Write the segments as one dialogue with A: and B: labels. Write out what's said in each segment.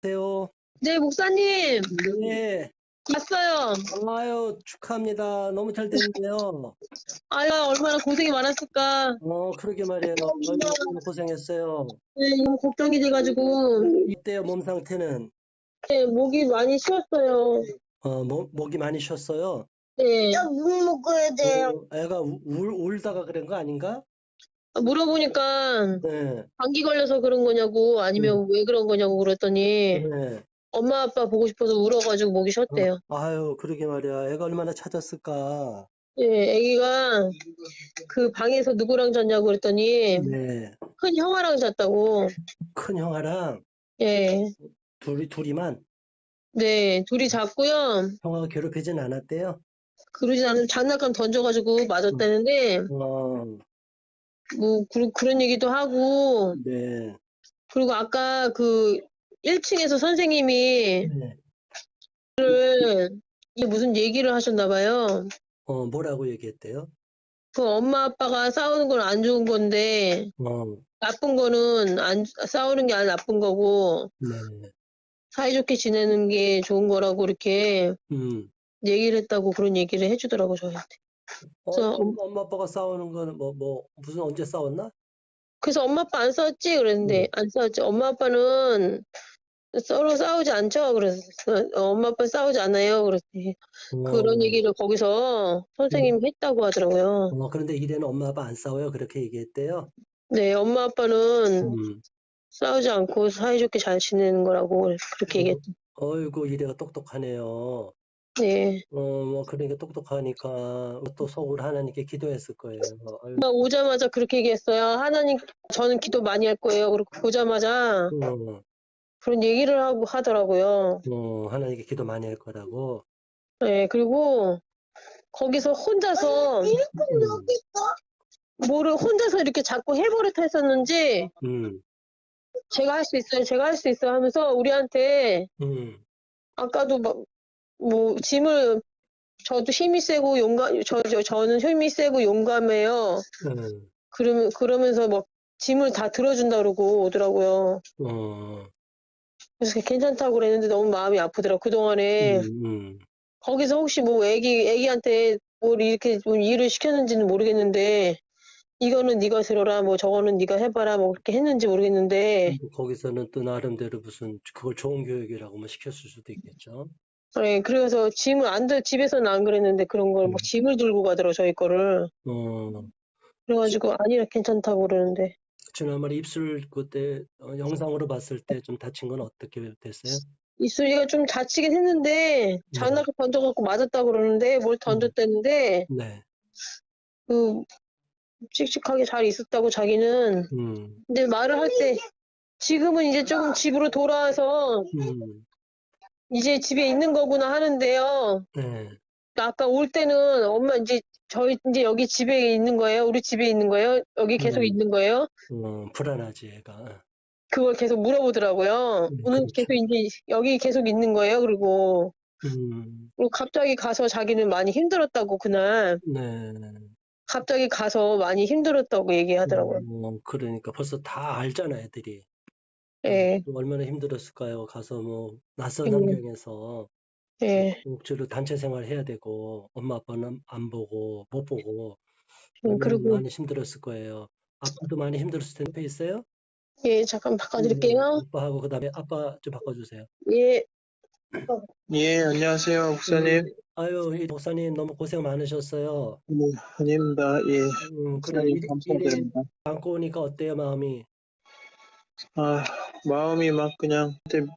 A: 안녕하세요.
B: 네, 목사님,
A: 네.
B: 봤어요.
A: 아유, 축하합니다. 너무 잘 됐네요.
B: 아유, 얼마나 고생이 많았을까.
A: 그러게 말이에요. 아유, 너무 고생했어요.
B: 네, 너무 걱정이 돼가지고,
A: 이때요, 몸 상태는.
B: 네, 목이 많이 쉬었어요.
A: 목이 많이 쉬었어요.
B: 네,
C: 물 먹어야 돼요.
A: 애가 울다가 그런 거 아닌가?
B: 물어보니까
A: 네.
B: 감기 걸려서 그런 거냐고, 아니면 왜 그런 거냐고 그랬더니,
A: 네.
B: 엄마 아빠 보고 싶어서 울어가지고 목이 쉬었대요.
A: 아유, 그러게 말이야. 애가 얼마나 찾았을까.
B: 네, 애기가 그 방에서 누구랑 잤냐고 그랬더니,
A: 네.
B: 큰 형아랑 잤다고.
A: 큰 형아랑
B: 예,
A: 둘이만
B: 네, 둘이 잤고요.
A: 형아가 괴롭히진 않았대요.
B: 그러진 않으면 장난감 던져가지고 맞았다는데,
A: 어,
B: 뭐, 그런 얘기도 하고,
A: 네.
B: 그리고 아까 그 1층에서 선생님이
A: 네.
B: 이게 무슨 얘기를 하셨나 봐요.
A: 뭐라고 얘기했대요?
B: 그 엄마 아빠가 싸우는 건 안 좋은 건데,
A: 어,
B: 나쁜 거는 싸우는 게 아니라 나쁜 거고,
A: 네.
B: 사이좋게 지내는 게 좋은 거라고 이렇게 얘기를 했다고 그런 얘기를 해주더라고, 저한테. 그래서,
A: 엄마 아빠가 싸우는 거는 무슨 언제 싸웠나?
B: 그래서 엄마 아빠 안 싸웠지? 그랬는데, 안 싸웠지. 엄마 아빠는 서로 싸우지 않죠? 그래서 엄마 아빠 싸우지 않아요. 그랬더니 그런 얘기를 거기서 선생님이 했다고 하더라고요.
A: 그런데 이래는 엄마 아빠 안 싸워요? 그렇게 얘기했대요?
B: 네, 엄마 아빠는
A: 음.
B: 싸우지 않고 사이좋게 잘 지내는 거라고 그렇게 얘기했죠.
A: 어이구, 이래가 똑똑하네요.
B: 네.
A: 그러니까 똑똑하니까 또 속으로 하나님께 기도했을 거예요. 아유,
B: 오자마자 그렇게 얘기했어요. 하나님, 저는 기도 많이 할 거예요. 그리고 보자마자 그런 얘기를 하더라고요.
A: 하나님께 기도 많이 할 거라고.
B: 네, 그리고 거기서 혼자서 뭐를 혼자서 이렇게 자꾸 해버릇 했었는지 제가 할 수 있어요. 제가 할 수 있어요 하면서 우리한테 아까도 뭐 짐을 저도 힘이 세고 저는 힘이 세고 용감해요. 그러면서 막 짐을 다 들어준다 그러고 오더라고요. 그래서 괜찮다고 그랬는데 너무 마음이 아프더라고. 그동안에 거기서 혹시 뭐 애기한테 뭘 이렇게 좀 일을 시켰는지는 모르겠는데 이거는 네가 들어라, 뭐 저거는 네가 해봐라, 뭐 그렇게 했는지 모르겠는데.
A: 거기서는 또 나름대로 무슨 그걸 좋은 교육이라고 뭐 시켰을 수도 있겠죠.
B: 네, 그래서 집에서는 안 그랬는데 그런 걸 막 짐을 들고 가더라고, 저희 거를. 그래가지고 아니라 괜찮다고 그러는데.
A: 지난번에 입술 그때 영상으로 봤을 때 좀 다친 건 어떻게 됐어요?
B: 입술이가 좀 다치긴 했는데 장난감 던져갖고 맞았다고 그러는데 뭘 던졌다는데
A: 네.
B: 그 씩씩하게 잘 있었다고 자기는. 근데 말을 할 때 지금은 이제 조금 집으로 돌아와서 이제 집에 있는 거구나 하는데요.
A: 네.
B: 아까 올 때는 엄마 저희 이제 여기 집에 있는 거예요? 우리 집에 있는 거예요? 여기 계속 있는 거예요?
A: 불안하지, 애가.
B: 그걸 계속 물어보더라고요. 오늘
A: 그렇죠.
B: 계속 이제 여기 계속 있는 거예요? 그리고 갑자기 가서 자기는 많이 힘들었다고 그날
A: 네.
B: 갑자기 가서 많이 힘들었다고 얘기하더라고요.
A: 그러니까 벌써 다 알잖아, 애들이.
B: 예,
A: 얼마나 힘들었을까요? 가서 뭐 낯선
B: 예,
A: 환경에서
B: 예.
A: 주로 단체 생활 해야 되고 엄마 아빠는 안 보고 못 보고 얼마나
B: 그리고
A: 많이 힘들었을 거예요. 아빠도 많이 힘들었을 텐데 옆에 있어요?
B: 예, 잠깐 바꿔드릴게요.
A: 아빠하고 그다음에 아빠 좀 바꿔주세요.
B: 예,
C: 예, 안녕하세요, 목사님.
A: 아유, 이 목사님 너무 고생 많으셨어요.
C: 네, 아닙니다. 예,
A: 그래
C: 목사님
A: 이리
C: 감사드립니다.
A: 안고 오니까 어때요, 마음이?
C: 아, 마음이 막 그냥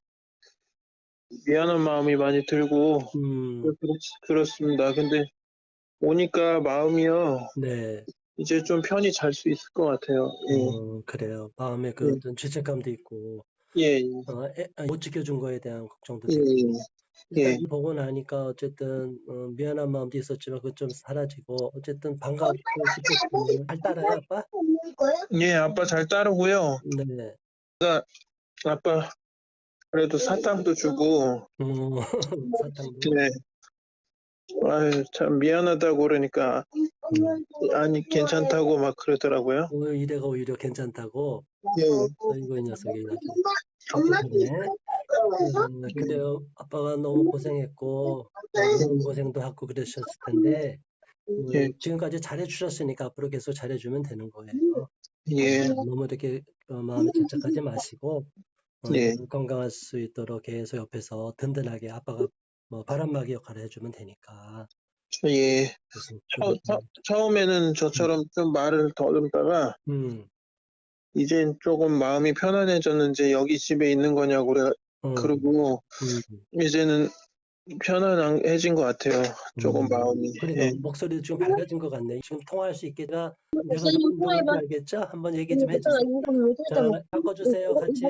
C: 미안한 마음이 많이 들고 그렇습니다. 근데 오니까 마음이요,
A: 네.
C: 이제 좀 편히 잘 수 있을 것 같아요.
A: 그래요. 마음에 그
C: 예,
A: 어떤 죄책감도 있고,
C: 예,
A: 못 지켜준 거에 대한 걱정도
C: 예,
A: 되고.
C: 예,
A: 일단
C: 예.
A: 보고 나니까 어쨌든 미안한 마음도 있었지만 그건 좀 사라지고 어쨌든 반갑고 기뻤고 잘 따라요, 아빠?
C: 예, 아빠 잘 따르고요.
A: 네.
C: 아빠 그래도 사탕도 주고,
A: 사탕도.
C: 네, 아유, 참 미안하다고 그러니까 아니 괜찮다고 막 그러더라고요.
A: 이래가 오히려 괜찮다고.
C: 예.
A: 아이고 이 녀석이 아주 똑똑하네. 그래요. 아빠가 너무 고생했고, 고생도 하고 그러셨을 텐데,
C: 예.
A: 지금까지 잘해주셨으니까 앞으로 계속 잘해주면 되는 거예요.
C: 예.
A: 너무 이렇게 마음에 착착하지 마시고,
C: 예.
A: 건강할 수 있도록 계속 옆에서 든든하게 아빠가 뭐 바람막이 역할을 해주면 되니까.
C: 예. 처음에는 저처럼 좀 말을 더듬다가, 이젠 조금 마음이 편안해졌는지 여기 집에 있는 거냐고 그러고, 이제는 편안해진 것 같아요. 조금 마음이.
A: 그러니까
C: 예.
A: 목소리도 좀 밝아진 것 같네. 지금 통화할 수 있겠다. 내가
B: 목소리
A: 누군지 알겠죠? 한번 얘기 좀 해주세요. 자, 바꿔주세요. 같이.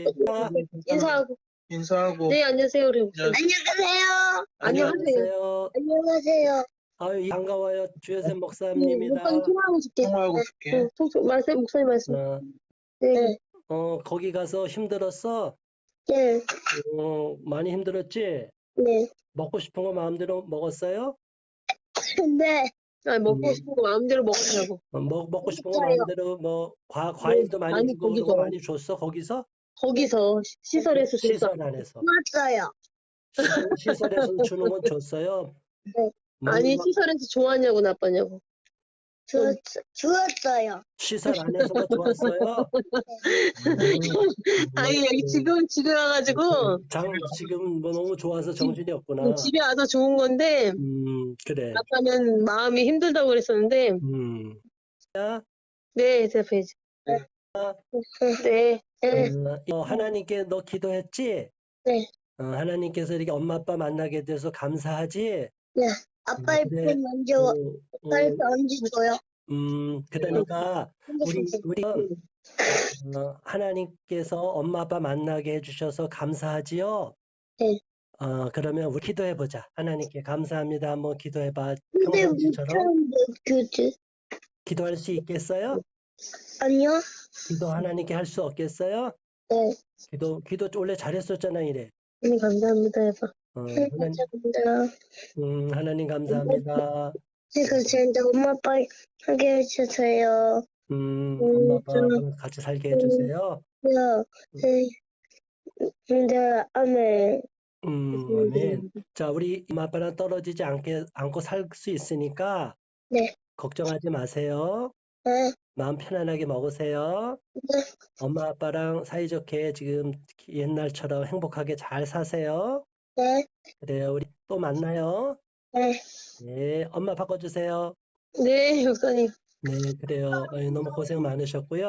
C: 인사하고.
B: 네, 안녕하세요. 그래.
D: 안녕하세요.
A: 안녕하세요.
D: 안녕하세요.
A: 아유, 반가워요. 주여셉 목사님입니다.
B: 목사님 통화하고 싶게.
C: 통화하고 싶게.
B: 목사님 말씀. 네.
A: 거기 가서 힘들었어?
D: 네.
A: 많이 힘들었지?
D: 네.
A: 먹고 싶은 거 마음대로 먹었어요?
D: 네.
B: 아니, 먹고 싶은 거 마음대로 먹으라고.
A: 먹고 싶은 거 마음대로 뭐 과일도 많이 주고 그런 거 많이 줬어? 거기서?
B: 거기서 시설에서 줬어.
A: 시설 안에서.
D: 맞아요.
A: 시설에서 주는 건 줬어요?
D: 네.
B: 아니, 시설에서 좋았냐고 나빴냐고.
D: 주었어요.
A: 시설 안에서도 좋았어요?
B: 아니, 여기 집에 와가지고.
A: 지금 뭐 너무 좋아서 정신이 없구나.
B: 집에 와서 좋은 건데.
A: 그래.
B: 아빠는 마음이 힘들다고 그랬었는데. 네, 대답해야지. 네.
A: 하나님께 너 기도했지?
D: 네.
A: 하나님께서 이렇게 엄마 아빠 만나게 돼서 감사하지?
D: 네. 아빠 이렇게 먼저 아빠한테 얹어줘요.
A: 그러니까 우리 하나님께서 엄마 아빠 만나게 해주셔서 감사하지요?
D: 네.
A: 그러면 우리 기도해보자. 하나님께 감사합니다. 한번 기도해봐.
D: 근데
A: 평상시처럼.
D: 교지.
A: 기도할 수 있겠어요?
D: 아니요.
A: 기도 하나님께 할 수 없겠어요?
D: 네.
A: 기도 원래 잘했었잖아, 이래.
D: 감사합니다 해봐.
A: 감사합니다. 하나님 감사합니다.
D: 진짜 엄마 아빠 하게 해주세요.
A: 엄마 아빠 같이 살게 해주세요.
D: 네. 아멘.
A: 아멘. 자, 우리 엄마 아빠랑 떨어지지 않고 살 수 있으니까
D: 네.
A: 걱정하지 마세요.
D: 네.
A: 마음 편안하게 먹으세요.
D: 네.
A: 엄마 아빠랑 사이좋게 지금 옛날처럼 행복하게 잘 사세요.
D: 네.
A: 그래요. 우리 또 만나요.
D: 네.
A: 네, 엄마 바꿔주세요.
B: 네, 목사님.
A: 네, 그래요. 너무 고생 많으셨고요.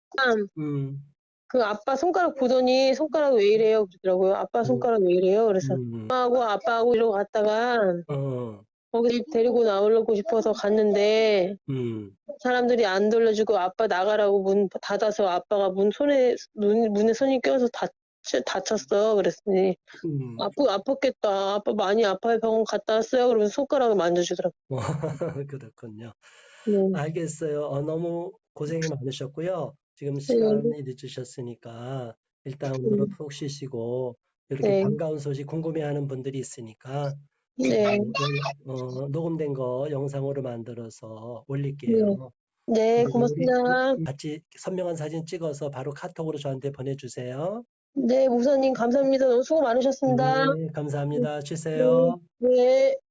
B: 그 아빠 손가락 보더니 손가락 왜 이래요? 그러더라고요. 아빠 손가락 왜 이래요? 그래서 엄마하고 아빠하고 이러고 갔다가 거기 데리고 나오려고 싶어서 갔는데 사람들이 안 돌려주고 아빠 나가라고 문 닫아서 아빠가 문에 손이 껴서 다쳤어. 그랬더니 아팠겠다. 아빠 많이 아파요. 병원 갔다 왔어요. 그러면서 손가락을 만져주더라고요.
A: 그렇군요. 알겠어요. 너무 고생이 많으셨고요. 지금 시간이 늦으셨으니까 일단 오늘은 푹 쉬시고 이렇게 반가운 소식 궁금해하는 분들이 있으니까 녹음된 거 영상으로 만들어서 올릴게요.
B: 네, 고맙습니다.
A: 같이 선명한 사진 찍어서 바로 카톡으로 저한테 보내주세요.
B: 네, 목사님 감사합니다. 너무 수고 많으셨습니다.
A: 네, 감사합니다. 쉬세요.
B: 네.